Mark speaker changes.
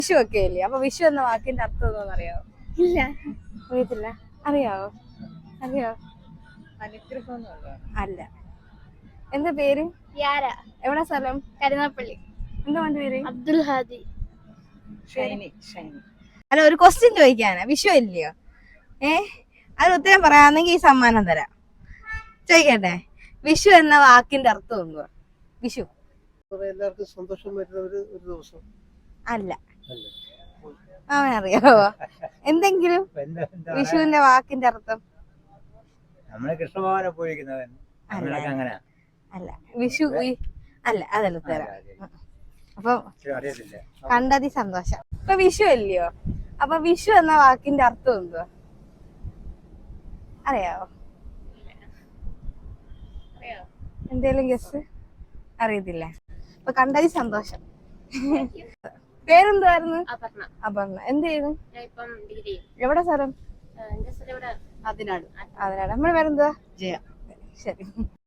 Speaker 1: വിഷു ഒക്കെ ഇല്ലേ? അപ്പൊ വിഷു എന്ന വാക്കിന്റെ അർത്ഥം എന്താണെന്ന് അറിയാവോ?
Speaker 2: ഇല്ല.
Speaker 1: അറിയത്തില്ല. അറിയാവോ? അറിയാവോ?
Speaker 3: അനുഗ്രഹം
Speaker 1: അല്ല. എന്താ പേര്?
Speaker 2: യാര.
Speaker 1: എവിടെ സ്ഥലം?
Speaker 2: കരുനാപ്പള്ളി.
Speaker 1: എന്താ മോന്റെ പേര്?
Speaker 2: അബ്ദുൽ ഹാദി.
Speaker 1: അല്ല, ഒരു ക്വസ്റ്റ്യൻ ചോദിക്കാനാ. വിഷു ഇല്ലയോ? അത് ഉത്തരം പറയാന്നെങ്കിൽ ഈ സമ്മാനം തരാം. ചോദിക്കട്ടെ, വിഷു എന്ന വാക്കിന്റെ അർത്ഥം എന്തുവാ? വിഷു
Speaker 3: എല്ലാവർക്കും സന്തോഷം വരുന്ന ഒരു ദിവസം
Speaker 1: അല്ല. അവനറിയാവോ എന്തെങ്കിലും വിഷുവിന്റെ വാക്കിന്റെ അർത്ഥം?
Speaker 3: നമ്മള് കൃഷ്ണഭവനെ പോയിരിക്കുന്നവൻ
Speaker 1: അല്ല. വിഷു അല്ല, അതല്ല ഉത്തരം. അപ്പൊ കണ്ടതി സന്തോഷം. ഇപ്പൊ വിഷു അല്ലയോ? അപ്പൊ വിഷു എന്ന വാക്കിന്റെ അർത്ഥം എന്തുവാ? അറിയാവോ? എന്തേലും ഗസ്? അറിയത്തില്ല. അപ്പൊ കണ്ടതി സന്തോഷം. പേരെന്തുവായിരുന്നു? അപർണ. എന്ത് ചെയ്യുന്നു? എവിടെ സ്ഥലം?
Speaker 2: അതിനാട്.
Speaker 1: നമ്മുടെ പേരെന്തുവാ?
Speaker 3: ജയ.
Speaker 1: ശരി.